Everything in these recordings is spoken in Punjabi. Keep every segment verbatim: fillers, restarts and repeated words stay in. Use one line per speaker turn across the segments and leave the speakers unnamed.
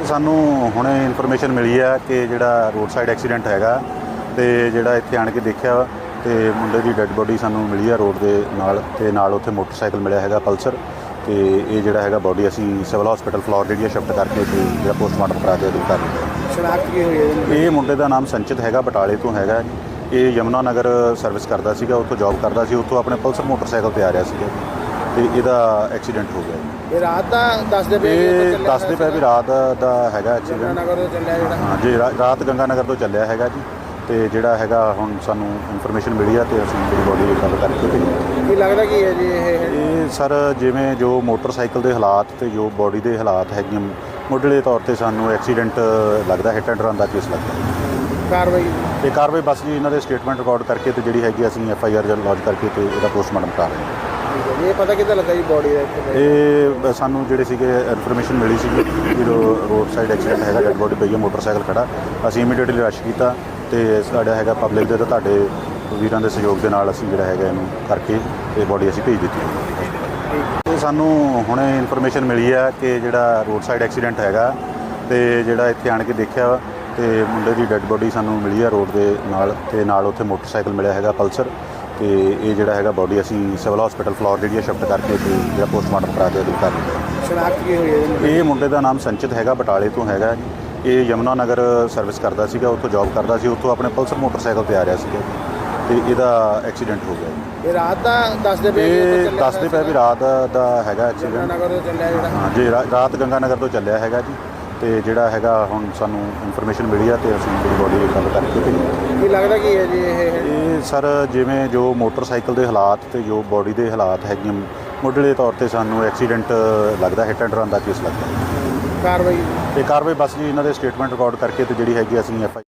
ਸਾਨੂੰ ਹੁਣੇ ਇਨਫੋਰਮੇਸ਼ਨ ਮਿਲੀ ਹੈ ਕਿ ਜਿਹੜਾ ਰੋਡ ਸਾਈਡ ਐਕਸੀਡੈਂਟ ਹੈਗਾ ਤੇ ਜਿਹੜਾ ਇੱਥੇ ਆਣ ਕੇ ਦੇਖਿਆ ਤੇ ਮੁੰਡੇ ਦੀ ਡੈੱਡ ਬੋਡੀ ਸਾਨੂੰ ਮਿਲੀ ਹੈ ਰੋਡ ਦੇ ਨਾਲ ਤੇ ਨਾਲ ਉੱਥੇ ਮੋਟਰਸਾਈਕਲ ਮਿਲਿਆ ਹੈਗਾ ਪਲਸਰ ਤੇ ਇਹ ਜਿਹੜਾ ਹੈਗਾ ਬੋਡੀ ਅਸੀਂ ਸਿਵਲ ਹਸਪੀਟਲ ਫਲੋਰ ਜਿਹੜੀ ਸ਼ਿਫਟ ਕਰਕੇ ਤੇ ਜਿਹੜਾ ਪੋਸਟਮਾਰਟਮ ਕਰਾ ਕੇ ਅਦੂ ਕਰ ਦਿੱਤਾ।
ਸ਼ਨਾਖਤ ਕੀ ਹੋਈ ਹੈ?
ਇਹ ਮੁੰਡੇ ਦਾ ਨਾਮ ਸੰਚਿਤ ਹੈਗਾ, ਬਟਾਲੇ ਤੋਂ ਹੈਗਾ। ਇਹ ਯਮੁਨਾ ਨਗਰ ਸਰਵਿਸ ਕਰਦਾ ਸੀਗਾ, ਉੱਥੋਂ ਜੌਬ ਕਰਦਾ ਸੀ, ਉੱਥੋਂ ਆਪਣੇ ਪਲਸਰ ਮੋਟਰਸਾਈਕਲ ਤੇ ਆ ਰਿਹਾ ਸੀਗਾ ਤੇ ਇਹਦਾ ਐਕਸੀਡੈਂਟ ਹੋ ਗਿਆ।
ਇਹ ਰਾਤ ਦਾ ਦੱਸਦੇ ਪਏ
ਇਹ ਦੱਸਦੇ ਪਏ ਵੀ ਰਾਤ ਦਾ ਹੈਗਾ ਐਕਸੀਡੈਂਟ।
ਨਗਰ ਤੋਂ ਚੱਲਿਆ ਜਿਹੜਾ
ਹਾਂ ਜੀ, ਰਾਤ ਗੰਗਾ ਨਗਰ ਤੋਂ ਚੱਲਿਆ ਹੈਗਾ ਜੀ ਤੇ ਜਿਹੜਾ ਹੈਗਾ ਹੁਣ ਸਾਨੂੰ ਇਨਫੋਰਮੇਸ਼ਨ ਮਿਲੀ ਆ ਤੇ ਅਸੀਂ ਜਿਹੜੀ ਬੋਡੀ ਦੀ ਗੱਲ ਕਰਕੇ ਤੇ
ਕੀ ਲੱਗਦਾ ਕੀ ਹੈ ਜੀ ਇਹ
ਇਹ ਸਰ ਜਿਵੇਂ ਜੋ ਮੋਟਰਸਾਈਕਲ ਦੇ ਹਾਲਾਤ ਤੇ ਜੋ ਬੋਡੀ ਦੇ ਹਾਲਾਤ ਹੈਗੇ ਮੁੱਢਲੇ ਤੌਰ ਤੇ ਸਾਨੂੰ ਐਕਸੀਡੈਂਟ ਲੱਗਦਾ, ਹਿੱਟ ਐਂਡ ਰਨ ਦਾ ਕੇਸ ਲੱਗਦਾ।
ਕਾਰਵਾਈ
ਤੇ ਕਾਰਵਾਈ ਬਸ ਜੀ ਇਹਨਾਂ ਦੇ ਸਟੇਟਮੈਂਟ ਰਿਕਾਰਡ ਕਰਕੇ ਤੇ ਜਿਹੜੀ ਹੈਗੀ ਅਸੀਂ ਐਫ ਆਈ ਆਰ ਲੌਂਚ ਕਰਕੇ ਤੇ ਇਹਦਾ ਪੋਸਟਮਾਰਟਮ ਕਰ ਰਹੇ ਹਾਂ।
ਇਹ ਪਤਾ ਕਿੱਦਾਂ ਲੱਗਾ ਜੀ ਬੋਡੀ ਦਾ ਇੱਥੇ?
ਇਹ ਸਾਨੂੰ ਜਿਹੜੇ ਸੀਗੇ ਇਨਫੋਰਮੇਸ਼ਨ ਮਿਲੀ ਸੀਗੀ ਜਦੋਂ ਰੋਡ ਸਾਈਡ ਐਕਸੀਡੈਂਟ ਹੈਗਾ, ਡੈਡ ਬੋਡੀ ਪਈ ਹੈ, ਮੋਟਰਸਾਈਕਲ ਖੜਾ, ਅਸੀਂ ਇਮੀਡੀਏਟਲੀ ਰਸ਼ ਕੀਤਾ ਤੇ ਸਾਡਾ ਹੈਗਾ ਪਬਲਿਕ ਦੇ ਤੇ ਤੁਹਾਡੇ ਵੀਰਾਂ ਦੇ ਸਹਿਯੋਗ ਦੇ ਨਾਲ ਅਸੀਂ ਜਿਹੜਾ ਹੈਗਾ ਇਹਨੂੰ ਕਰਕੇ ਇਹ ਬੋਡੀ ਅਸੀਂ ਭੇਜ ਦਿੱਤੀ। ਤੇ ਸਾਨੂੰ ਹੁਣੇ ਇਨਫੋਰਮੇਸ਼ਨ ਮਿਲੀ ਹੈ ਕਿ ਜਿਹੜਾ ਰੋਡ ਸਾਈਡ ਐਕਸੀਡੈਂਟ ਹੈਗਾ ਤੇ ਜਿਹੜਾ ਇੱਥੇ ਆਣ ਕੇ ਦੇਖਿਆ ਤੇ ਮੁੰਡੇ ਦੀ ਡੈੱਡ ਬੋਡੀ ਸਾਨੂੰ ਮਿਲੀ ਹੈ ਰੋਡ ਦੇ ਨਾਲ ਤੇ ਨਾਲ ਉੱਥੇ ਮੋਟਰਸਾਈਕਲ ਮਿਲਿਆ ਹੈਗਾ ਪਲਸਰ ਤੇ ਇਹ ਜਿਹੜਾ ਹੈਗਾ ਬੋਡੀ ਅਸੀਂ ਸਿਵਲ ਹਸਪੀਟਲ ਫਲੋਰ ਜਿਹੜੀ ਸ਼ਿਫਟ ਕਰਕੇ ਤੇ ਜਿਹੜਾ ਪੋਸਟਮਾਰਟਮ ਕਰਾ ਕੇ ਅਦੂ ਕਰ ਦਿੱਤਾ।
ਸ਼ਨਾਖਤ ਕੀ ਹੋਈ ਹੈ?
ਇਹ ਮੁੰਡੇ ਦਾ ਨਾਮ ਸੰਚਿਤ ਹੈਗਾ, ਬਟਾਲੇ ਤੋਂ ਹੈਗਾ। ਇਹ ਯਮੁਨਾ ਨਗਰ ਸਰਵਿਸ ਕਰਦਾ ਸੀਗਾ, ਉੱਥੋਂ ਜੌਬ ਕਰਦਾ ਸੀ, ਉੱਥੋਂ ਆਪਣੇ ਪਲਸਰ ਮੋਟਰਸਾਈਕਲ ਤੇ ਆ ਰਿਹਾ ਸੀਗਾ ਤੇ ਇਹਦਾ ਐਕਸੀਡੈਂਟ ਹੋ ਗਿਆ।
ਇਹ ਰਾਤ ਦਾ ਦੱਸਦੇ ਪਏ
ਇਹ ਦੱਸਦੇ ਪਏ ਵੀ ਰਾਤ ਦਾ ਹੈਗਾ ਐਕਸੀਡੈਂਟ।
ਨਗਰ ਤੋਂ ਚੱਲਿਆ ਜਿਹੜਾ
ਹਾਂ ਜੀ, ਰਾਤ ਗੰਗਾ ਨਗਰ ਤੋਂ ਚੱਲਿਆ ਹੈਗਾ ਜੀ ਤੇ ਜਿਹੜਾ ਹੈਗਾ ਹੁਣ ਸਾਨੂੰ ਇਨਫੋਰਮੇਸ਼ਨ ਮਿਲੀ ਆ ਤੇ ਅਸੀਂ ਜਿਹੜੀ ਬੋਡੀ ਦੀ ਗੱਲ ਕਰਕੇ ਤੇ
ਕੀ ਲੱਗਦਾ ਕੀ ਹੈ ਜੀ ਇਹ
ਇਹ ਸਰ ਜਿਵੇਂ ਜੋ ਮੋਟਰਸਾਈਕਲ ਦੇ ਹਾਲਾਤ ਤੇ ਜੋ ਬੋਡੀ ਦੇ ਹਾਲਾਤ ਹੈਗੇ ਮੁੱਢਲੇ ਤੌਰ ਤੇ ਸਾਨੂੰ ਐਕਸੀਡੈਂਟ ਲੱਗਦਾ, ਹਿੱਟ ਐਂਡ ਰਨ ਦਾ ਕੇਸ ਲੱਗਦਾ।
ਕਾਰਵਾਈ
ਤੇ ਕਾਰਵਾਈ ਬਸ ਜੀ ਇਹਨਾਂ ਦੇ ਸਟੇਟਮੈਂਟ ਰਿਕਾਰਡ ਕਰਕੇ ਤੇ ਜਿਹੜੀ ਹੈਗੀ ਅਸੀਂ ਐਫ ਆਈ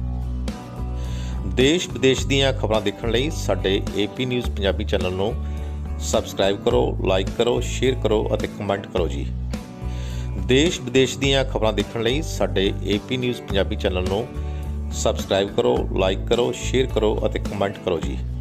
ਦੇਸ਼ ਵਿਦੇਸ਼ ਦੀਆਂ ਖਬਰਾਂ ਦੇਖਣ ਲਈ ਸਾਡੇ ਏਪੀ ਨਿਊਜ਼ ਪੰਜਾਬੀ ਚੈਨਲ ਨੂੰ ਸਬਸਕ੍ਰਾਈਬ ਕਰੋ, ਲਾਈਕ ਕਰੋ, ਸ਼ੇਅਰ ਕਰੋ ਅਤੇ ਕਮੈਂਟ ਕਰੋ ਜੀ। ਦੇਸ਼ ਵਿਦੇਸ਼ ਦੀਆਂ ਖਬਰਾਂ ਦੇਖਣ ਲਈ ਸਾਡੇ ਏਪੀ ਨਿਊਜ਼ ਪੰਜਾਬੀ ਚੈਨਲ ਨੂੰ ਸਬਸਕ੍ਰਾਈਬ ਕਰੋ, ਲਾਈਕ ਕਰੋ, ਸ਼ੇਅਰ ਕਰੋ ਅਤੇ ਕਮੈਂਟ ਕਰੋ ਜੀ।